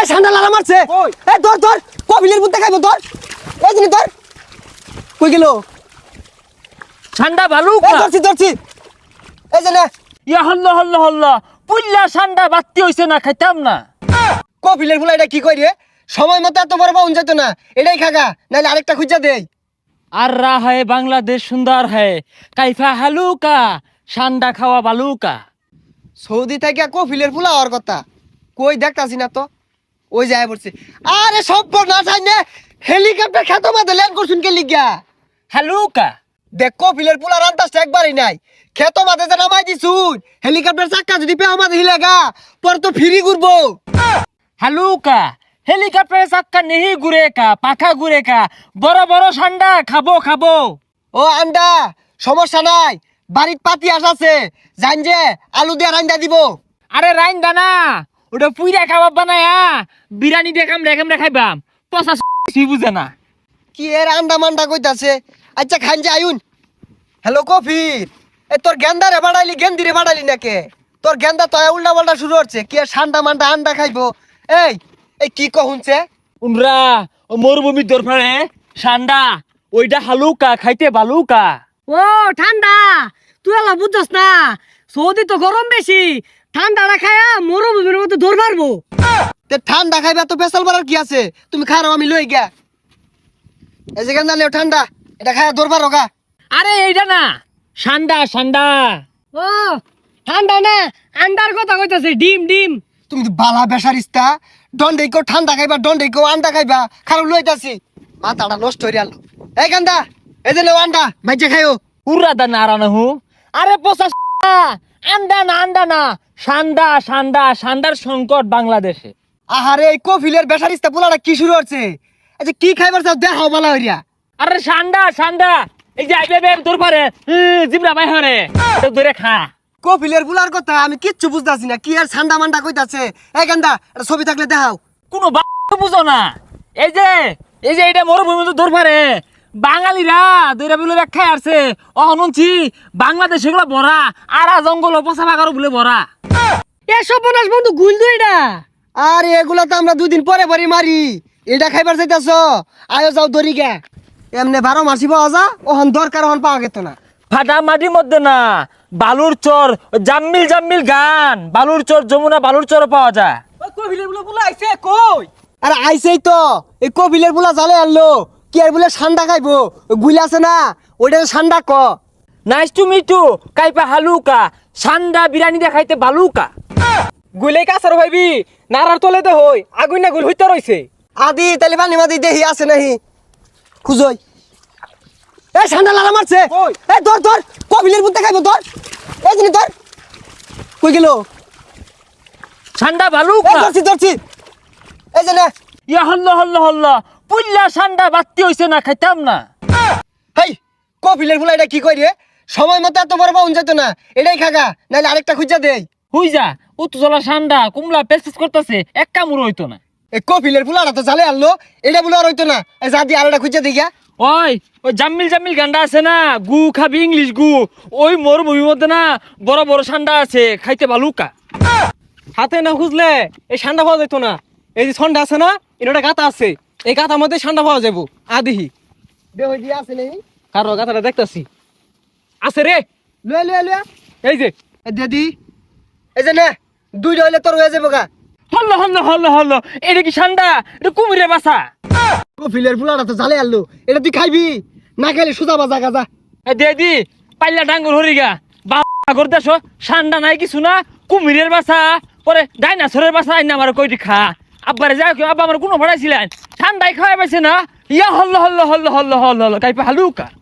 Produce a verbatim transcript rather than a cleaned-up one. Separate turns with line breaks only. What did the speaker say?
এই ঠান্ডা লাগা মারছে এই ধর ধর কপিলের বুতে খাইবো ধর এই জিনি ধর কই গেল
ঠান্ডা ভালো
এই ধরছি ধরছি এই যে না
ইয়া হল্লা হল্লা হল্লা পুল্লা ঠান্ডা বাত্তি হইছে না খাইতাম না
কপিলের ফুলা এটা কি কই রে সময় মতো এত বড় পাউন যেত না এটাই খাগা নাইলে আরেকটা খুঁজা দেই
আর রা হয় বাংলাদেশ সুন্দর হয় কাইফা হালুকা ঠান্ডা খাওয়া বালুকা
সৌদি থেকে কপিলের ফুলা হওয়ার কথা কই দেখতাছি না তো ওই যায় পড়ছে আরে সব না চাই না হেলিকপ্টার খেতো মাঝে ল্যান্ড করছুন কে লিগা
হালুকা
দেখ কপিলের ফুলা রান্তাসটা একবারই নাই খেতো মাঝে যে নামাই দিছুন হেলিকপ্টার চাক্কা যদি পেও মাঝে হিলেগা পর তো ফিরি ঘুরবো
হালুকা হেলিকপ্টারে চাক্কা নেহি ঘুরে কা পাখা ঘুরে কা বড় বড় ঠান্ডা খাবো খাবো
ও আন্ডা সমস্যা নাই বাড়ির পাতি আসাছে জান যে আলু দিয়ে রান্দা দিব
আরে রাইন দানা ওটা পুইরা খাবার বানায়া বিরিয়ানি দেখাম রেখাম রেখাইবাম পচা সি বুঝে না
কি এর আন্ডা মান্ডা কইতাছে আচ্ছা খান যে আয়ুন হ্যালো কফির এ তোর গেন্দারে বাড়াইলি গেন্দিরে বাড়াইলি নাকে তোর গেন্দা তো উল্টা পাল্টা শুরু হচ্ছে কি আর ঠান্ডা মান্ডা আন্ডা খাইবো এই এই কি কহুনছে
উনরা ও মরুভূমির দরফারে ঠান্ডা ওইটা হালুকা খাইতে বালুকা
ও ঠান্ডা তুই আলা বুঝছস না সৌদি তো গরম বেশি ঠান্ডাটা খায়া মরুভূমির মতো দৌড় মারবো
তে ঠান্ডা খাইবে তো পেশাল বাড়ার কি আছে তুমি খারাও আমি লই গিয়া এই যে গেন্দা লেও ঠান্ডা এটা খায়া দরবার রোগা
আরে এইটা না ঠান্ডা ঠান্ডা
ও ঠান্ডা না আন্ডার কথা কইতাছে ডিম ডিম
তুমি তো বালা বেসারিস্তা দন্ডে কেউ ঠান্ডা খাইবা দন্ডে কেউ আন্ডা খাইবা খারাপ লইতাছি মাথাটা নষ্ট হয়ে গেল এই গান্দা এই যে লেও আন্ডা ভাইজে খাইও
উড়া দা নারানা হু আরে পচা আন্ডা না আন্ডা না ঠান্ডা ঠান্ডা ঠান্ডার সংকট বাংলাদেশে
আহারে এই কফিলের বেসারিস্তা পোলাটা কি শুরু হচ্ছে আচ্ছা কি খাইবার চাও দেখাও বালা হইয়া
আরে ঠান্ডা ঠান্ডা এই যে আইবে বের তোর পারে জিবরা ভাই হরে তো ধরে খা
কফিলের পোলার কথা আমি কিচ্ছু বুঝতাছি না কি আর ঠান্ডা মান্ডা কইতাছে এই গান্দা এটা ছবি থাকলে দেখাও
কোনো বুঝো না এই যে এই যে এটা মরুভূমি তো ধর পারে বাঙালিরা দইরা বলে ব্যাখ্যা আসছে অহনছি বাংলাদেশ এগুলো ভরা আরা জঙ্গল পচা বাগারও বলে ভরা
এসব বনাস বন্ধু গুল দুই না
আর এগুলা তো আমরা দুই দিন পরে পরে মারি এটা খাইবার চাইতাছ আয়ো যাও দরি গে এমনি বারো মাসি পাওয়া যা ওহন দরকার ওহন পাওয়া গেত না
ফাটা মাটির মধ্যে না বালুর চর জাম্মিল জাম্মিল গান বালুর চর যমুনা বালুর চর পাওয়া যায়
কবিলের বলে বলে আইছে কই
আরে আইসেই তো এই কপিলের পোলা জালে আনলো কি আর বলে ঠান্ডা খাইবো গুলি আছে না ওইটা ঠান্ডা ক
নাইস টু মিট টু কাইপা হালুকা সান্ডা বিরিয়ানি দেখাইতে বালুকা
গুলে কাছার ভাইবি নারার তলে দে হই আগুন না গুল হইতে রইছে
আদি তাহলে পানি মাদি দেহি আছে নাহি খুঁজই এই ঠান্ডা লাগা মারছে এই ধর ধর কপিলের বুতে খাইবো ধর এই জিনি ধর কই গেল
সান্ডা
এই
বালুকা
ধরছি ধরছি এই যে না
ইয়া হল্লা হল্লা হল্লা পুল্লা সান্ডা বাত্তি হইছে না খাইতাম না
হেই কপিলের ফুলা এটা কি কই রে সময় মতো এত বড় পাউন যেত না এটাই খাগা নাইলে আরেকটা খুঁজা দেই
হুই যা উত্তজলা সান্ডা কুমলা পেসপেস করতেছে এক কামড় হইতো না
এই কপিলের ফুলাটা তো জালে আনলো এটা বলে আর হইতো না এই যা দিয়ে আরেকটা খুঁজা দিই গা
ওই ওই জাম্মিল জাম্মিল গান্ডা আছে না গু খাবি ইংলিশ গু ওই মরুভূমির মধ্যে না বড় বড় সান্ডা আছে খাইতে বালুকা
হাতে না খুঁজলে এই ঠান্ডা পাওয়া যেত না এই যে ঠান্ডা আছে না এটা গাতা আছে এই গাতার মধ্যে ঠান্ডা পাওয়া যাবো আদিহি
দে হই দিয়া আছে নেই
কারো গাতাটা দেখতাছি আছে রে
লয়ে লয়ে লয়ে
এই যে
এই দিদি এই যে না দুইটা হইলে তোর হয়ে যাবো গা
হল্ল হল্ল হল্ল হল্ল এটা কি সান্ডা এটা কুমিরের বাসা
কপিলের ফুলাটা তো জালে আনলো এটা তুই খাইবি না খাইলে সুজা বাজা গাজা
এ দে দি পাল্লা ডাঙ্গুর হরিগা বাগর দেশ সান্ডা নাই কিছু না কুমিরের বাসা পরে ডাইনাসরের বাসা আইনা আমার কইটি খা আব্বারে যাও কেউ আব্বা আমার কোনো ভাড়াইছিলেন ঠান্ডায় খাওয়াই পাইছে না ইয়া হল্ল হল্ল হল্ল হল্ল হল্ল হল্ল কাইপা হালুকা